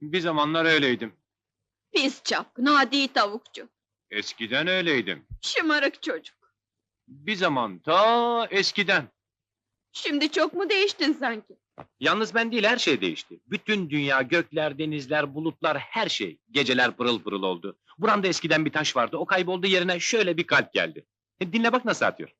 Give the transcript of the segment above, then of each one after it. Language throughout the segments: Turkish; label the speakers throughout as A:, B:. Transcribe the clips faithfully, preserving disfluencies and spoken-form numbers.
A: Bir zamanlar öyleydim.
B: Pis çapkın, adi tavukçu.
A: Eskiden öyleydim.
B: Şımarık çocuk.
A: Bir zaman ta eskiden.
B: Şimdi çok mu değiştin sanki?
A: Yalnız ben değil, her şey değişti. Bütün dünya, gökler, denizler, bulutlar, her şey. Geceler pırıl pırıl oldu. Buramda eskiden bir taş vardı, o kayboldu, yerine şöyle bir kalp geldi. E, dinle bak nasıl atıyor.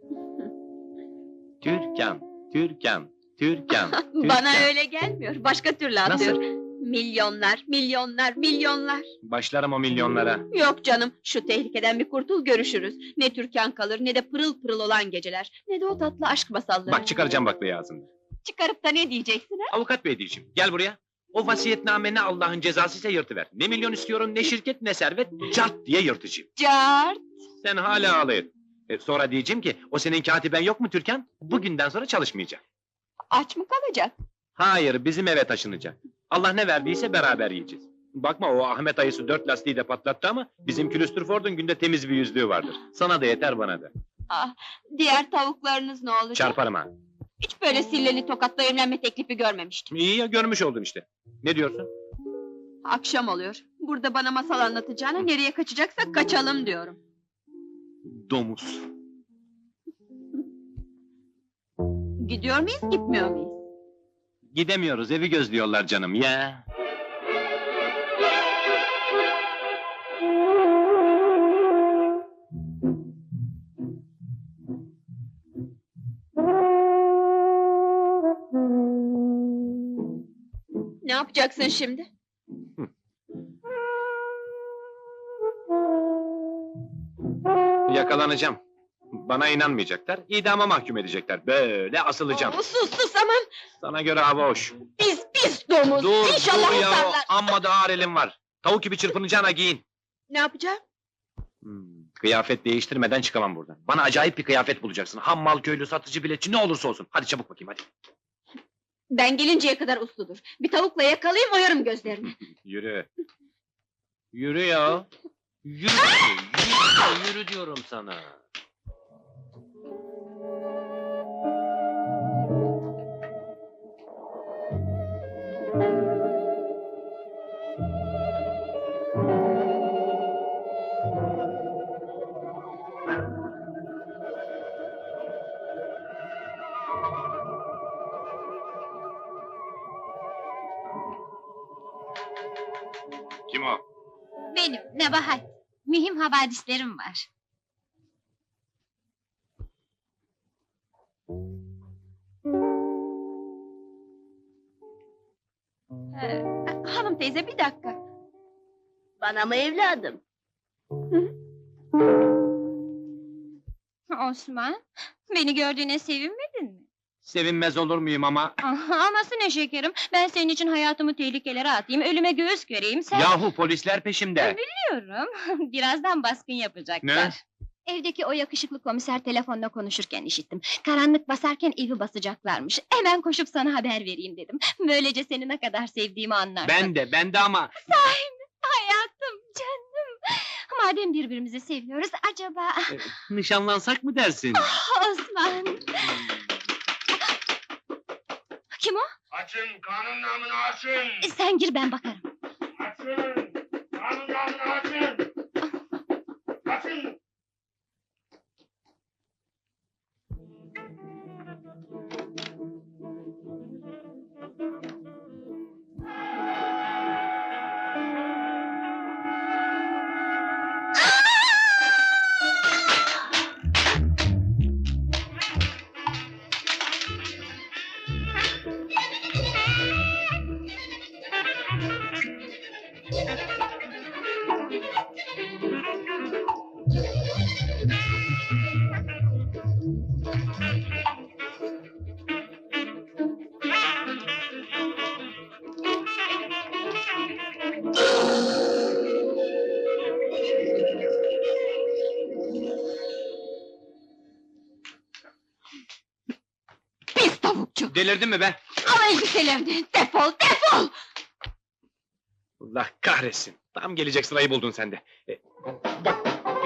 A: Türkan, Türkan, Türkan, Türkan.
B: Bana öyle gelmiyor, başka türlü atıyor.
A: Nasıl?
B: Milyonlar, milyonlar, milyonlar.
A: Başlarım o milyonlara.
B: Yok canım, şu tehlikeden bir kurtul, görüşürüz. Ne Türkan kalır, ne de pırıl pırıl olan geceler. Ne de o tatlı aşk masalları.
A: Bak çıkaracağım baklayı ağzımda.
B: Çıkarıp da ne diyeceksin ha?
A: Avukat bey diyeceğim, gel buraya. O vasiyetname ne Allah'ın cezasıysa yırtıver. Ne milyon istiyorum, ne şirket, ne servet, cart diye yırtacağım.
B: Cart!
A: Sen hala ağlayın. E, sonra diyeceğim ki, o senin katiben yok mu Türkan? Bugünden sonra çalışmayacak.
B: Aç mı kalacak?
A: Hayır, bizim eve taşınacak. Allah ne verdiyse beraber yiyeceğiz. Bakma, o Ahmet ayısı dört lastiği de patlattı ama bizim külüstür Ford'un günde temiz bir yüzlüğü vardır. Sana da yeter, bana da.
B: Ah, diğer tavuklarınız ne olacak?
A: Çarparım ha.
B: Hiç böyle silleli tokatla evlenme teklifi görmemiştim.
A: İyi ya, görmüş oldun işte. Ne diyorsun?
B: Akşam oluyor. Burada bana masal anlatacağına nereye kaçacaksak kaçalım diyorum.
A: Domuz.
B: Gidiyor muyuz, gitmiyor muyuz?
A: Gidemiyoruz, evi gözlüyorlar canım ya.
B: Ne yapacaksın şimdi?
A: Yakalanacağım. Bana inanmayacaklar, idama mahkum edecekler. Böyle asılacağım.
B: Oo, sus sus aman!
A: Sana göre hava hoş.
B: Pis pis domuz!
A: Dur,
B: İnşallah
A: dur ya,
B: usarlar!
A: amma da ağır elim var. Tavuk gibi çırpınacağına giyin.
B: Ne yapacağım?
A: Hmm, kıyafet değiştirmeden çıkamam buradan. Bana acayip bir kıyafet bulacaksın. Hammal, köylü, satıcı, biletçi ne olursa olsun. Hadi çabuk bakayım hadi.
B: Ben gelinceye kadar usludur. Bir tavukla yakalayayım, oyarım gözlerini.
A: Yürü. Yürü ya. Yürü, yürü, yürü diyorum sana. Kim o?
C: Benim, Nebahat. Mühim havadislerim var.
B: Ee, hanım teyze, bir dakika.
D: Bana mı evladım?
C: Osman, beni gördüğüne sevinmedin mi?
A: Sevinmez olur muyum ama...
C: Ah, aması ne şekerim, ben senin için hayatımı tehlikelere atayım, ölüme göğüs göreyim, sen...
A: Yahu polisler peşimde.
C: Biliyorum, birazdan baskın yapacaklar.
A: Ne?
C: Evdeki o yakışıklı komiser telefonla konuşurken işittim. Karanlık basarken evi basacaklarmış. Hemen koşup sana haber vereyim dedim. Böylece seni ne kadar sevdiğimi anlarsın.
A: Ben de, ben de ama...
C: Hayatım, canım! Madem birbirimizi seviyoruz, acaba...
A: e, nişanlansak mı dersin?
C: Osman! Kim o?
E: Açın, kanun namını açın!
C: Sen gir, ben bakarım.
E: Açın! Kanun namını açın! Açın!
B: Pis tavukçu!
A: Delirdin mi be?
B: Al elbiselerini, defol, defol!
A: Allah kahretsin. Tam gelecek sırayı buldun sen de. E, bak.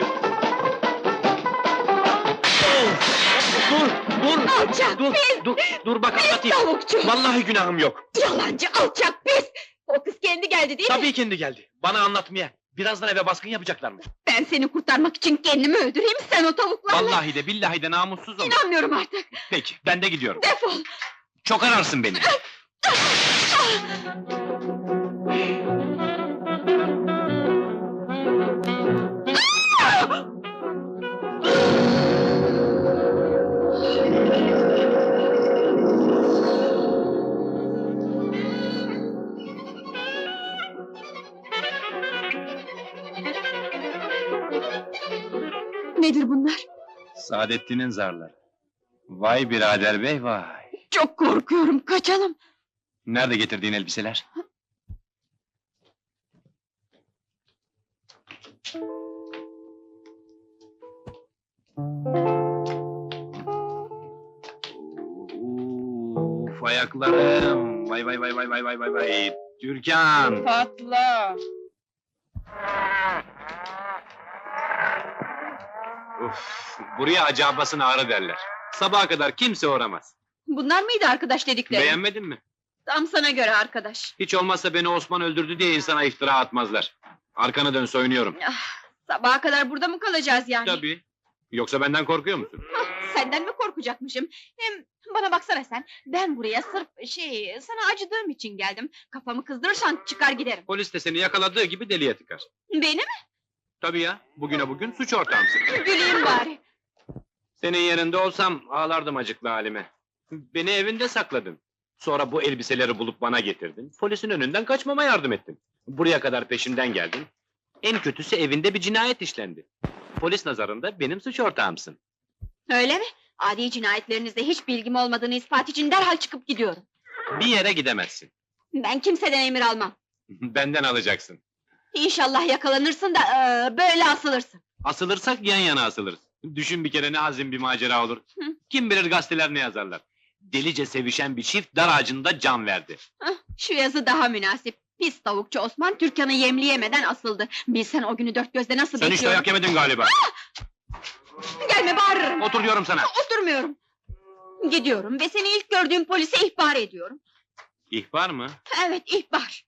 A: Dur, dur,
B: Alçak,
A: dur,
B: pis,
A: dur, dur bak
B: pis
A: anlatayım.
B: tavukçu!
A: Vallahi günahım yok.
B: Yalancı, alçak, pis! O kız kendi geldi değil mi?
A: Tabii kendi geldi. Bana anlatmaya. Birazdan eve baskın yapacaklarmış.
B: Ben seni kurtarmak için kendimi öldüreyim, sen o tavuklarla...
A: Vallahi de billahi de namussuz olur.
B: İnanmıyorum artık,
A: Peki ben de gidiyorum.
B: defol!
A: Çok ararsın beni.
B: Nedir bunlar?
A: Saadettin'in zarları. Vay birader bey vay.
B: Çok korkuyorum, kaçalım!
A: Nerede getirdiğin elbiseler? Uf ayaklarım. Vay vay vay vay vay vay vay vay. Türkan.
B: Patla!
A: Uf, buraya acabasın ağrı derler. Sabaha kadar kimse uğramaz.
B: Bunlar mıydı arkadaş dedikleri?
A: Beğenmedin mi?
B: Tam sana göre arkadaş.
A: Hiç olmazsa beni Osman öldürdü diye insana iftira atmazlar. Arkanı dön soyunuyorum.
B: Sabaha kadar burada mı kalacağız yani?
A: Tabii. Yoksa benden korkuyor musun?
B: Senden mi korkacakmışım? Hem bana baksana sen, ben buraya sırf şey, sana acıdığım için geldim. Kafamı kızdırırsan çıkar giderim.
A: Polis de seni yakaladığı gibi deliye tıkar.
B: Beni mi?
A: Tabii ya, bugüne bugün suç ortağımsın.
B: Güleyim bari.
A: Senin yerinde olsam ağlardım acıklı halime. Beni evinde sakladın. Sonra bu elbiseleri bulup bana getirdin. Polisin önünden kaçmama yardım ettin. Buraya kadar peşimden geldin. En kötüsü evinde bir cinayet işlendi. Polis nazarında benim suç ortağımsın.
B: Öyle mi? Adi cinayetlerinizde hiç bilgim olmadığını ispat için derhal çıkıp gidiyorum.
A: Bir yere gidemezsin.
B: Ben kimseden emir almam.
A: Benden alacaksın.
B: İnşallah yakalanırsın da eee, böyle asılırsın.
A: Asılırsak yan yana asılırız. Düşün bir kere ne azim bir macera olur.
B: Hı.
A: Kim bilir gazeteler ne yazarlar. Delice sevişen bir çift dar ağacında can verdi.
B: Hah, şu yazı daha münasip. Pis tavukçu Osman Türkan'ı yemleyemeden asıldı. Bilsen o günü dört gözle nasıl
A: Sen hiç
B: bekliyorum.
A: dayak yemedin galiba.
B: Gelme, bağırırım.
A: Otur diyorum sana.
B: Oturmuyorum. Gidiyorum ve seni ilk gördüğüm polise ihbar ediyorum.
A: İhbar mı?
B: Evet, ihbar.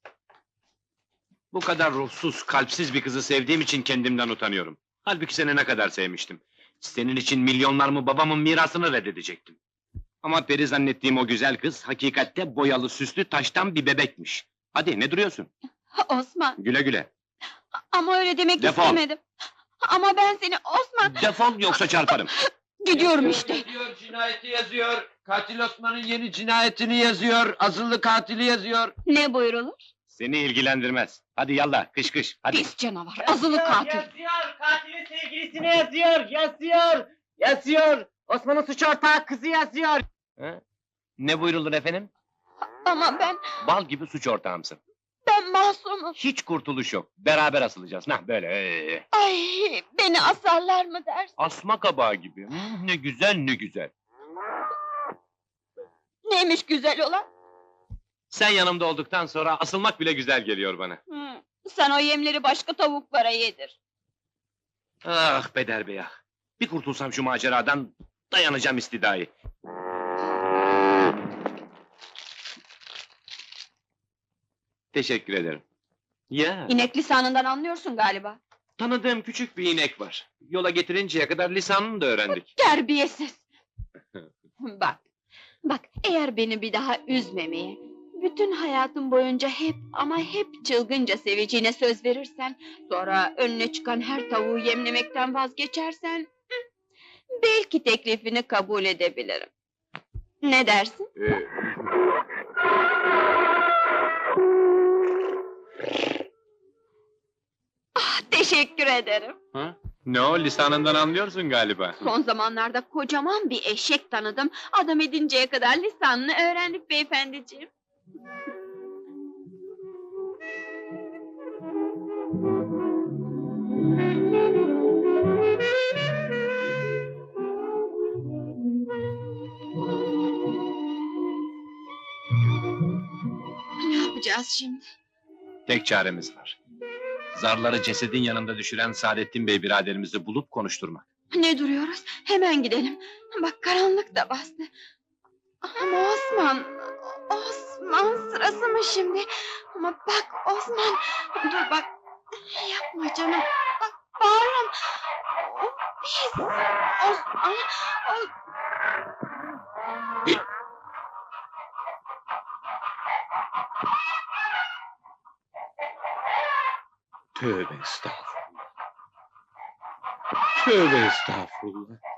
A: Bu kadar ruhsuz, kalpsiz bir kızı sevdiğim için kendimden utanıyorum. Halbuki seni ne kadar sevmiştim. Senin için milyonlarımı babamın mirasını reddedecektim. Ama peri zannettiğim o güzel kız, hakikatte boyalı süslü taştan bir bebekmiş. Hadi ne duruyorsun?
B: Osman,
A: Güle güle.
B: ama öyle demek
A: Defol.
B: istemedim. Ama ben seni Osman...
A: Defol yoksa çarparım.
B: Gidiyorum işte.
F: Yazıyor, cinayeti yazıyor. Katil Osman'ın yeni cinayetini yazıyor. Azılı katili yazıyor.
B: Ne buyurulur?
A: Seni ilgilendirmez. Hadi yallah, kış kış, hadi.
B: Pis canavar, azılı katil.
G: Yazıyor, katilin sevgilisini yazıyor, yazıyor, yazıyor. Osman'ın suç ortağı kızı yazıyor.
A: Ha? Ne buyrulur efendim?
B: Ama ben,
A: Bal gibi suç ortağımsın.
B: ben masumum.
A: Hiç kurtuluş yok. Beraber asılacağız. Nah böyle. ee.
B: Ay, beni asarlar mı dersin?
A: Asma kabağı gibi. Hmm, ne güzel ne güzel.
B: Neymiş güzel olan?
A: Sen yanımda olduktan sonra asılmak bile güzel geliyor bana.
B: Hı, sen o yemleri başka tavuklara yedir.
A: Ah Peder Bey ah. Bir kurtulsam şu maceradan dayanacağım istidayı. Teşekkür ederim. Ya,
B: İnek lisanından anlıyorsun galiba.
A: tanıdığım küçük bir inek var. Yola getirinceye kadar lisanını da öğrendik.
B: Terbiyesiz! Bak, bak eğer beni bir daha üzmemeye, bütün hayatım boyunca hep ama hep çılgınca seveceğine söz verirsen, sonra önüne çıkan her tavuğu yemlemekten vazgeçersen, hı, belki teklifini kabul edebilirim. Ne dersin?
A: Ee,
B: Ah, teşekkür ederim.
A: ha? Ne o lisanından anlıyorsun galiba.
B: Son zamanlarda kocaman bir eşek tanıdım. Adam edinceye kadar lisanını öğrendik beyefendiciğim. Ne yapacağız şimdi?
A: Tek çaremiz var. Zarları cesedin yanında düşüren Saadettin Bey biraderimizi bulup konuşturmak.
B: Ne duruyoruz? Hemen gidelim. Bak karanlık da bastı. Ama Osman, Osman... Osman, sırası mı şimdi? Ama bak Osman, dur bak. Yapma canım, bak bağırın. O pis, Osman, o...
A: Tövbe estağfurullah. Tövbe estağfurullah.